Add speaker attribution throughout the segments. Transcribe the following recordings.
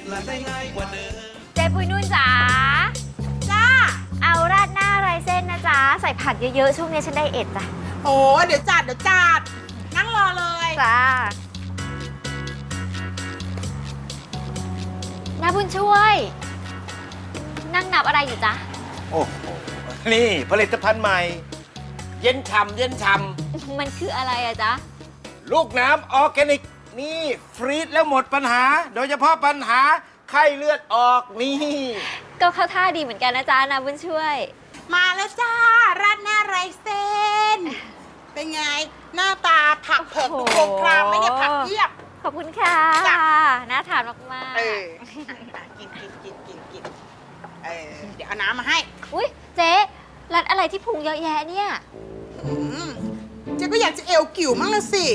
Speaker 1: เจ๊ปุ้ยนุ่นจ๋าจ้าเอาราดหน้าไรเส้นนะจ๊ะใส่ผักเยอะๆช่วงนี้ฉันไดเอทจ้ะ
Speaker 2: โอ้เดี๋ยวจัดนั่งรอเลย
Speaker 1: จ้าน้าบุญช่วย นั่งนับอะไรอยู่จ๊ะ
Speaker 3: โอ้โหนี่ผลิตภัณฑ์ใหม่ เย็นฉ่ำเย็นฉ่
Speaker 1: ำมันคืออะไรอะจ๊ะ
Speaker 3: ลูกน้ำออร์แกนิกนี่ฟรีซแล้วหมดปัญหาโดยเฉพาะปัญหาไข้เลือดออกนี่
Speaker 1: ก็เข้าท่าดีเหมือนกันนะจ๊ะน้าบุญช่วย
Speaker 2: มาแล้วจ้าราดหน้าไรเส้นเป็นไงหน้าตาผักเผือกดูโครงครามไหมเนี่ยผักเพียบ
Speaker 1: ขอบคุณค่ะน่าทานมาก
Speaker 2: ๆกินเดี๋ยวเอาน้ำมาให้
Speaker 1: อุ้ยเจ๊รัดอะไรที่พุงเยอะแยะเนี่ย
Speaker 2: เจ๊ก็อยากจะเอวกิ่วมั่งละสิ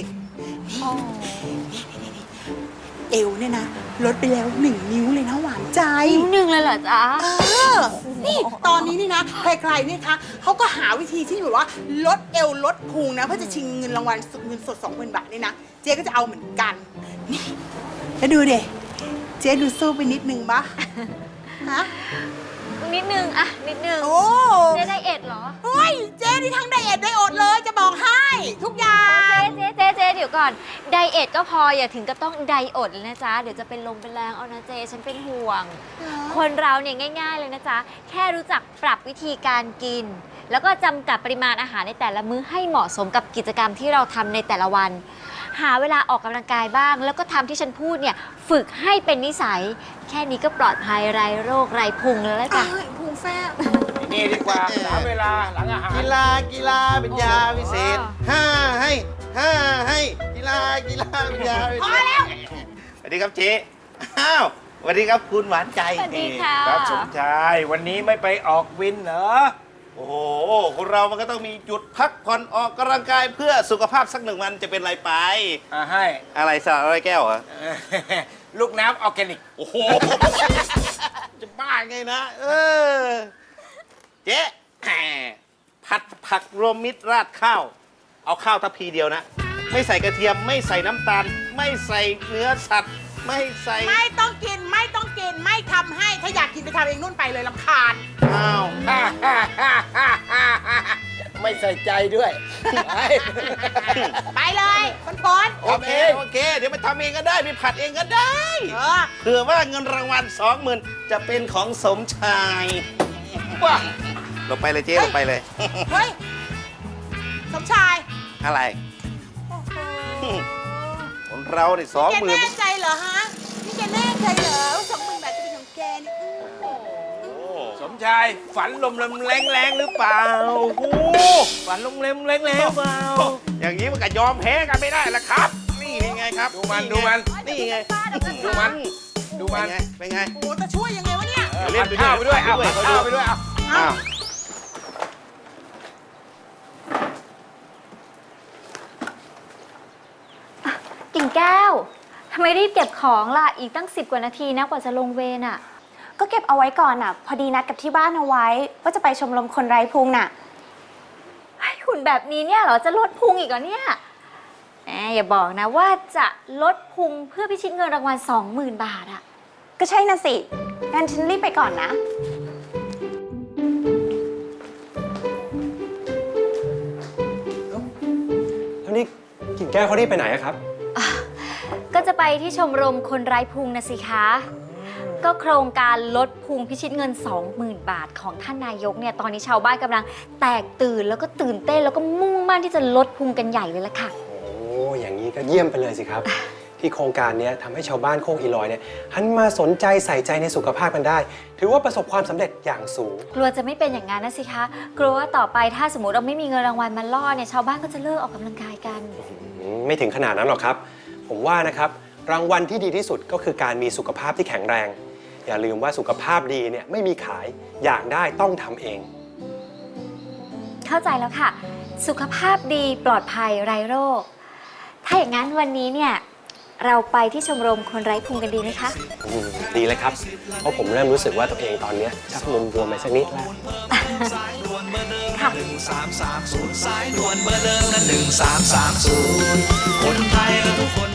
Speaker 2: เอวเนี่ยนะลดไปแล้ว1 นิ้วเลยนะหวานใจ
Speaker 1: นิ้ว 1เลยเหรอจ๊ะ
Speaker 2: นี่ตอนนี้นี่นะใครๆนี่คะเขาก็หาวิธีที่แบบว่าลดเอวลดพุงนะเพื่อจะชิงเงินรางวัลเงินสด 20,000 บาทนี่นะเจ๊ก็จะเอาเหมือนกันนี่แล้วดูเด็เจ๊ดูสู้ไปนิดนึงปะฮะ
Speaker 1: นิดนึงอะนิดนึง
Speaker 2: โอ้
Speaker 1: เจ๊ไดเอทเหรอ
Speaker 2: เฮ้ยเจ๊นี่ทั้งไดเอทไดอดเลยจะบอกให้ทุกอย่าง
Speaker 1: เจ๊เดี๋ยวก่อนไดเอทก็พออย่าถึงกับต้องไดอดเลยนะจ๊ะเดี๋ยวจะเป็นลมเป็นแรงเอานะเจ๊ฉันเป็นห่วงคนเราเนี่ยง่ายๆเลยนะจ๊ะแค่รู้จักปรับวิธีการกินแล้วก็จำกัดปริมาณอาหารในแต่ละมื้อให้เหมาะสมกับกิจกรรมที่เราทำในแต่ละวันหาเวลาออกกำลังกายบ้างแล้วก็ทำที่ฉันพูดเนี่ยฝึกให้เป็นนิสัยแค่นี้ก็ปลอดภัยไร้โรคไร้พุงแล้วล่ะจ้ะ
Speaker 2: พุงแฟบ
Speaker 3: นี่ดีกว่า3 เวลาหลังอาหารกีฬาเป็นยาวิเศษให้กีฬาเป็นยาวิเศษพอแล้วสวัสดีครับเจ๊อ้าวสวัสดีครับคุณหวานใจ
Speaker 1: สวัสดีค่ะ
Speaker 3: ครับสมชายวันนี้ไม่ไปออกวินเหรอโอ้โหคนเรามันก็ต้องมีจุดพักผ่อนออกกำลังกายเพื่อสุขภาพสัก1 วันจะเป็นไรไปให้อะไรสาอะไรแก้วเหรอลูกน้ำออร์แกนิกโอ้โหจะบ้าไงนะเจ๊ผัดผักรวมมิตรราดข้าวเอาข้าวทัพพีเดียวนะไม่ใส่กระเทียมไม่ใส่น้ำตาลไม่ใส่เนื้อสัตว์ไม่ใส่
Speaker 2: ไม่ต้องกินไม่ทำให้ถ้าอยากกินไปทำเองนู่นไปเลยรำคาญ
Speaker 3: อ้าวไม่ใส่ใจด้วย
Speaker 2: ไปเลยปน
Speaker 3: โอเคเดี๋ยวไปทำเองก็ได้ไปผัดเองก็ได้เผื่อว่าเงินรางวัล20,000จะเป็นของสมชายว้าลงไปเลยเจ๊ลงไปเลย
Speaker 2: เฮ้ยสมชาย
Speaker 3: อะไรคนเราเนี่ย20,000
Speaker 2: แกแน่ใจเหรอฮะนี่แกแน่ใจเหรอ20,000 บาทจะเป็นของแกนี่
Speaker 3: สมชายฝันลมแรงหรือเปล่าฝันลมแรงเปล่าอย่างนี้มันก็ยอมแพ้กันไม่ได้ละครับนี่ไงครับดูมันนี่ไงดูมันเป็นไง
Speaker 2: โอ้จะช่วยยังไงวะเนี่ย
Speaker 3: เล่นข้าวไปด้วยเอาข้าวไปด้วยเอา
Speaker 1: กิ่งแก้วทำไมรีบเก็บของล่ะอีกตั้ง10 กว่านาทีนะกว่าจะลงเวรอ่ะ
Speaker 4: ก็เก็บเอาไว้ก่อนอ่ะพอดีนัดกับที่บ้านเอาไว้ว่าจะไปชมรมคนไร้พุงน่ะ
Speaker 1: หุ่นแบบนี้เนี่ยเหรอจะลดพุงอีกเหรอเนี่ยอย่าบอกนะว่าจะลดพุงเพื่อพิชิตเงินรางวัล20,000 บาทอ่ะ
Speaker 4: ก็ใช่น่ะสิงั้นฉันรีบไปก่อนนะ
Speaker 5: แล้วนี่กิ่งแก้วเขารีบไปไหนครับ
Speaker 1: ก็จะไปที่ชมรมคนไร้พุงนะสิคะก็โครงการลดพุงพิชิตเงิน20,000 บาทของท่านนายกเนี่ยตอนนี้ชาวบ้านกำลังแตกตื่นแล้วก็ตื่นเต้นแล้วก็มุ่งมั่นที่จะลดพุงกันใหญ่เลยล่ะค่ะ
Speaker 5: โอ้อย่างนี้ก็เยี่ยมไปเลยสิครับที่โครงการนี้ทำให้ชาวบ้านโคกอีลอยเนี่ยหันมาสนใจใส่ใจในสุขภาพกันได้ถือว่าประสบความสำเร็จอย่างสูง
Speaker 1: กลัวจะไม่เป็นอย่างนั้นนะสิคะกลัวว่าต่อไปถ้าสมมติเราไม่มีเงินรางวัลมาล่อเนี่ยชาวบ้านก็จะเลิกออกกำลังกายกัน
Speaker 5: ไม่ถึงขนาดนั้นหรอกครับผมว่านะครับรางวัลที่ดีที่สุดก็คือการมีสุขภาพที่แข็งแรงอย่าลืมว่าสุขภาพดีเนี่ยไม่มีขายอยากได้ต้องทำเอง
Speaker 1: เข้าใจแล้วค่ะสุขภาพดีปลอดภัยไร้โรคถ้าอย่างนั้นวันนี้เนี่ยเราไปที่ชมรมคนไร้พุงกันดีไหมคะ
Speaker 5: ดีเลยครับเพราะผมเริ่มรู้สึกว่าตัวเองตอนนี้ชักบวมไปสักนิดแล้ว
Speaker 1: ค่ะ
Speaker 6: 1330สายด่วนเบอร์เดิมนะ1330คนไทยและทุกคน